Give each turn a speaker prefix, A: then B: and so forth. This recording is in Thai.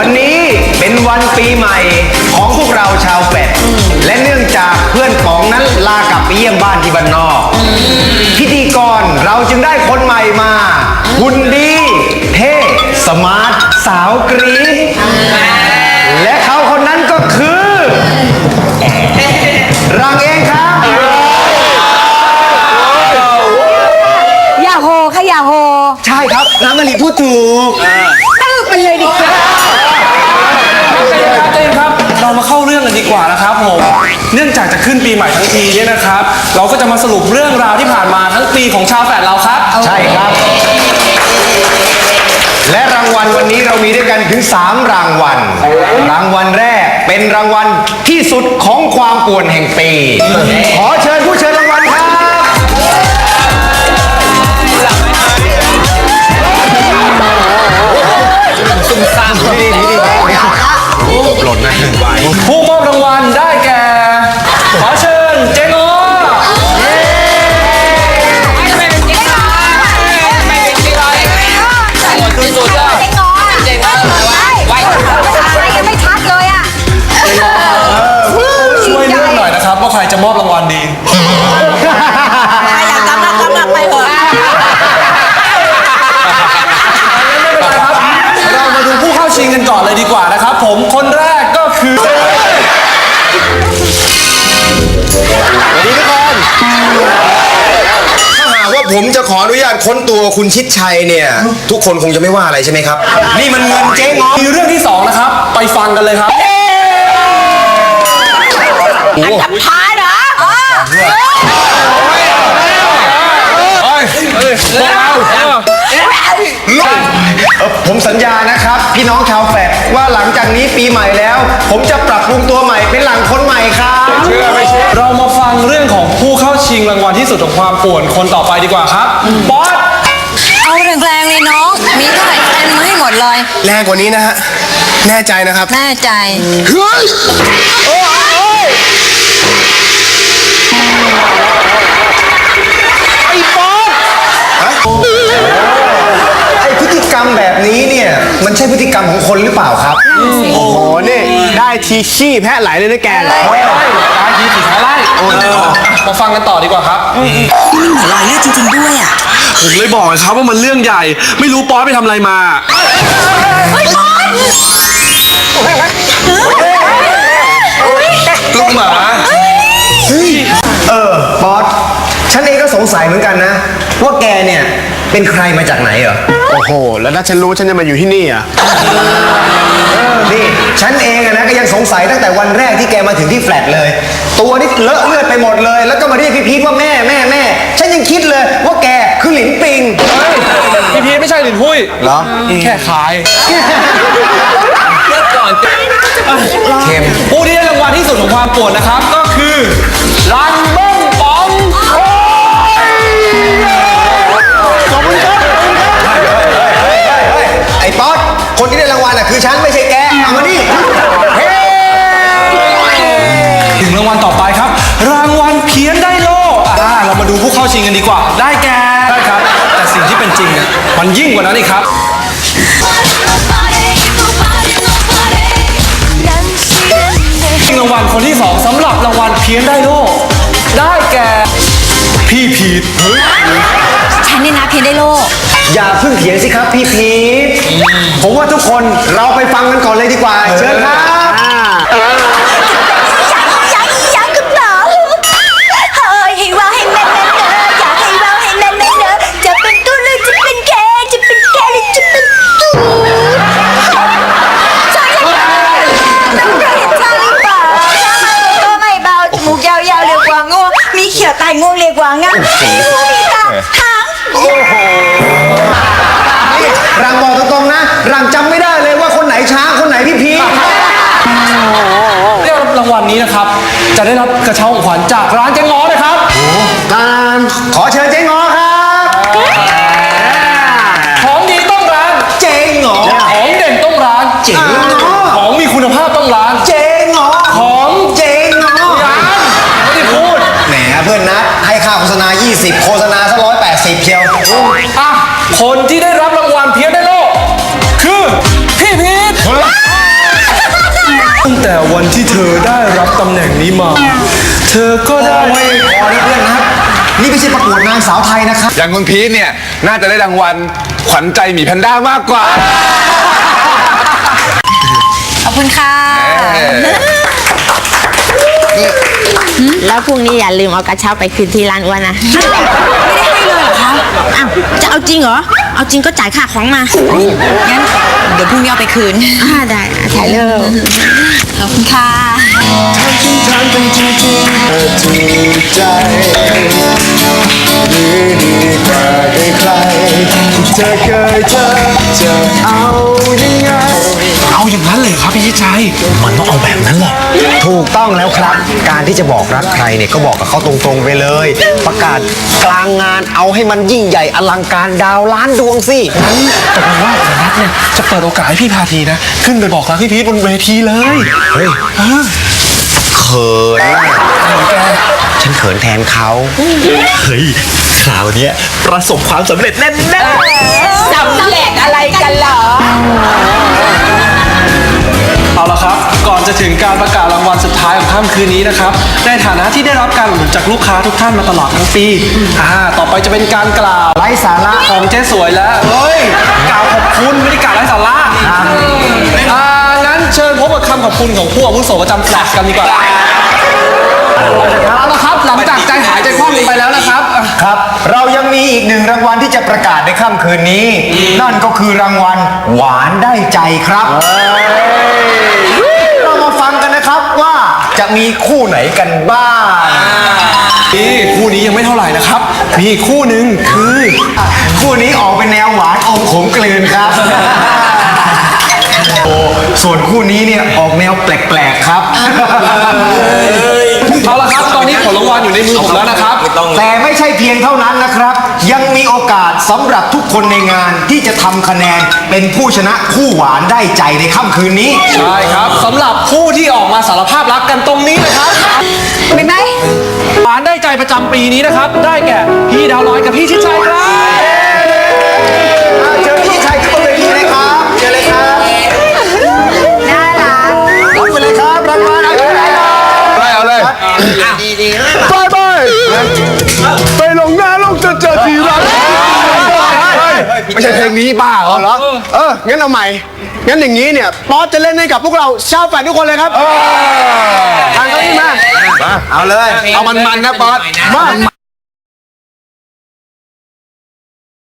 A: วันนี้เป็นวันปีใหม่ของพวกเราชาวแฟดและเนื่องจากเพื่อนป๋องนั้นลากลับไปเยี่ยมบ้านที่บ้านนอกพิธีกรเราจึงได้คนใหม่มาหุ่นดีเท่สมาร์ทสาวกรี๊ดและเขาคนนั้นก็คือรังเองครับ
B: อย่าโหค่ะอย่าโห
A: ใช่ครับน้ำมะลิพูดถูก
B: ตื้อไปเลยดิค่ะ
C: ใจเย็นครับเรามาเข้าเรื่องกันดีกว่านะครับผมเนื่องจากจะขึ้นปีใหม่ทั้งทีเนี่ยนะครับ เราก็จะมาสรุปเรื่องราวที่ผ่านมาทั้งปีของชาวแฟดเราครับ
A: ใช่ครับ และรางวัลวันนี้เรามีด้วยกันถึง3รางวัลรางวัลแรกเป็นรางวัลที่สุดของความป่วนแห่งปีขอเชิญผู้เชิญรางวัลครับซุ่มซ่ามดีหล่นนะ1 ใบ
C: ผู้มอบรางวัลได้แก่ขอเชิญเจงอช่วยเลือกหน่อยนะครับว่าใครจะมอบรางวัลดี
B: อยากกำลังไปเถอะ
C: เรามาดูผู้เข้าชิงกันก่อนเลยดีกว่านะครับผมคนแรกก็คือ
A: สวัสดีทุกคนถ้าหากว่าผมจะขออนุญาตค้นตัวคุณชิดชัยเนี่ยทุกคนคงจะไม่ว่าอะไรใช่ไหมครับนี่มันเงินเจ๊งอ
C: มีเรื่องที่2นะครับไปฟังกันเลยครับ
B: อันดับท้ายเหรอ
A: ผมสัญญานะครับพี่น้องชาวแฟดว่าหลังจากนี้ปีใหม่แล้ว ผมจะปรับปรุงตัวใหม่เป็นหลังคนใหม่ครับเชื่อไม่เชื่อ
C: เรามาฟังเรื่องของผู้เข้าชิงรางวัลที่สุดของความป่วนคนต่อไปดีกว่าครับบอส
B: เอาแรงๆเลยน้องมีเท่าไหร่เต็มมาให้หมดเลย
A: แรงกว่านี้นะฮะแน่ใจนะครับ
B: แน่ใจ
A: เฮ้ยไอ้บอสไอ้พฤติกรรมแบบนี้เนี่ยมันใช่พฤติกรรมของคนหรือเปล่าครับโอ้โหนี่ได้ทีขี้แพะไหลเลยนะแกได้
C: ทีสีท้ายไล่มาฟังกันต่อดีกว่าครับ
B: รอยเลือดจริงๆด้วยอ่ะ
C: ผมเลยบอกครับว่ามันเรื่องใหญ่ไม่รู้ป๊อสไปทำอะไรมาลูกหมา
A: บอสฉันเองก็สงสัยเหมือนกันนะว่าแกเนี่ยเป็นใครมาจากไหนเหรอโอ้โหแล้วถ้าฉันรู้ฉันจะมาอยู่ที่นี่อ่ะนี่ฉันเองอะนะก็ยังสงสัยตั้งแต่วันแรกที่แกมาถึงที่แฟลตเลยตัวนี่เลอะเลือดไปหมดเลยแล้วก็มาเรียกพี่พีทว่าแม่ฉันยังคิดเลยว่าแกคือหลินปิง
C: พี่พีทไม่ใช่หลินพุ้ย
A: เหรอ
C: แค่ขายเลือกก่อน
A: เค็ม
C: ผู้ที่ได้รางวัลที่สุดของความป่วนนะครับก็คือรันเบิ้งป๋อง
A: ขอบคุณครับไอ้ป๊อตคนที่ได้รางวัลอ่ะคือฉันไม่ใช่แกเอามานี่
C: ถึงรางวัลต่อไปครับรางวัลเพี้ยนได้โล่เรามาดูผู้เข้าชิงกันดีกว่าได้แก่ได้ครับแต่สิ่งที่เป็นจริงเนี่ยมันยิ่งกว่านั้นอีกครับรางวัลคนที่2สำหรับรางวัลเพี้ยนได้โล่ได้แก่พี่พีท
B: ฉันนี่นะเพียงได้โล
A: อย่าเพิ่งเถียงสิครับพี่พีทผมว่าทุกคนเราไปฟังกันก่อนเลยดีกว่าเชิญครับ
B: ยังกับหนอเฮ้ยให้ว่าให้แม่เนออยากให้ว่าให้แม่เนอจะเป็นตู้หรือจะเป็นแกจะเป็นแกหรือจะเป็นตู้ใช่ยังไงต้องเรียนใช่หรือเปล่าถ้ามันตัวไม่เบาจมูกยาวๆเรียกว่างูมีเขียวตายงูเรียกว่างั่งมีตาหาง
A: โอ้โหนี่รังบอกตรงๆนะรังจำไม่ได้เลยว่าคนไหนช้างคนไหนพี่พีท
C: ได้รับรางวัลนี้นะครับจะได้รับกระเช้าของขวัญจากร้านเจ๊ง้อเลยครับ
A: การขอเชิญเจ๊ง้อครับ
C: ของดีต้องร้าน
A: เจ๊ง้อ
C: ของเด่นต้องร้าน
A: เจ๊ง้อ
C: ของมีคุณภาพต้องร้าน
A: เจ๊ง้อ
C: ของ
A: เจ๊ง้อ
C: ไม่ได้พูด
A: แหมเพื่อนนัดให้ค่าโฆษณา20โฆษณาซะ180เชียว
C: คนที่ได้รับรางวัลเพียงได้โลกคือพี่พีทแต่วันที่เธอได้รับตำแหน่งนี้มา เธอก็ได้
A: โอ้ยพอแล้วเพื่อนครับ นี่ไม่ใช่ประกวดนางสาวไทยนะครับ
D: อย่างคุณพีทเนี่ย น่าจะได้รางวัลขวัญใจหมีแพนด้ามากกว่า
B: ขอบคุณค่ะ
E: แล้วพรุ่งนี้อย่าลืมเอากระเช้าไปคืนที่ร้านอ้วนนะ
B: ไม่ได้ให้เลยเหรอคะ
E: อ้าว จะเอาจริงเหรอ เอาจริงก็จ่ายค่าของมา
B: งั้นเดี๋ยวพรุ่งนี้เอาไปคืน
E: ได้ถ่ายรูป
B: ขอบคุณค่ะ
A: ถามไปจริงๆถูกใจหรือดีกว่าใครที่เธอเคยเจอจะเอายังไง
C: เอาอย่างนั้นเลยครับพี่ชัยมันต้องเอาแบบนั้นแหละ
A: ถูกต้องแล้วครับ การที่จะบอกรักใครเนี่ยก็บอกกับเขาตรงๆไปเลย ประกาศกลางงานเอาให้มันยิ่งใหญ่อลังการดาวล้านดวงสิ
C: ตกลงว่าผมรักเนี่ยจะเปิดโอกาสให้พี่พาทีนะ ขึ้นไปบอกรักพี่พีทบนเวทีเลย
A: เฮ้ยเขินฉันเขินแทนเขา
F: เฮ้ยคราวเนี้ยประสบความสำเร็จแน่ๆ
E: สำเร็จอะไรกันเหรอ
C: เอาละครับ ก่อนจะถึงการประกาศรางวัลสุดท้ายของค่ำคืนนี้นะครับ ในฐานะที่ได้รับการอุดหนุนจากลูกค้าทุกท่านมาตลอดทั้งปี ต่อไปจะเป็นการกล่าว
A: ไร้สาระ
C: ของเจ๊สวยแล้วเฮ้ย กล่าวขอบคุณไม่ได้กล่าวไร้สาระงั้นเชิญพบกับคำขอบคุณของผู้อาวุโสประจำแฟลชกันดีกว่าเอาละครับ หลังจากใจหายใจคว่ำลงไปแล้วนะครับ
A: ครับ เรายังมีอีกหนึ่งรางวัลที่จะประกาศในค่ำคืนนี้ นั่นก็คือรางวัลหวานได้ใจครับเรามาฟังกันนะครับว่าจะมีคู่ไหนกันบ้าง
C: นี่คู่นี้ยังไม่เท่าไหร่นะครับ มีอีกคู่หนึ่งคือ
A: คู่นี้ออกเป็นแนวหวานอมขมกลืนครับ โอ้ส่วนคู่นี้เนี่ยออกแนวแปลกๆครับ
C: เอาละครับตอนนี้ผลรางวัลอยู่ในมือผมแล้วนะครับ
A: แต่ไม่ใช่เพียงเท่านั้นนะครับ ยังมีโอกาสสำหรับทุกคนในงานที่จะทำคะแนนเป็นผู้ชนะคู่หวานได้ใจในค่ำคืนนี้
C: ใช่ครับสำหรับผู้ที่ออกมาสารภาพรักกันตรงนี้เลยครับ
B: ไม่ไหม
C: หวานได้ใจประจำปีนี้นะครับ ได้แก่พี่ดาวลอยกับพี่ชิดชัยครับ
A: เชิญพี่ชัยขึ้นบนเวทีเลยครับเชิญเลยครับ
B: น่ารัก
A: รับไปเลยครับรางวัลเอาไปเลยครับ
D: ได้เอาเลย
A: ไปลงหน้าลงจะเจอทีรัก
D: ไม่ใช่เพลงนี้บ้าเหรอ
A: เหรองั้นเอาใหม่ งั้นอย่างนี้เนี่ยป๊อตจะเล่นให้กับพวกเราชาวแฟนทุกคนเลยครับทางเขานี่มาเอาเลย
D: เอามันๆนะป๊อต
A: มา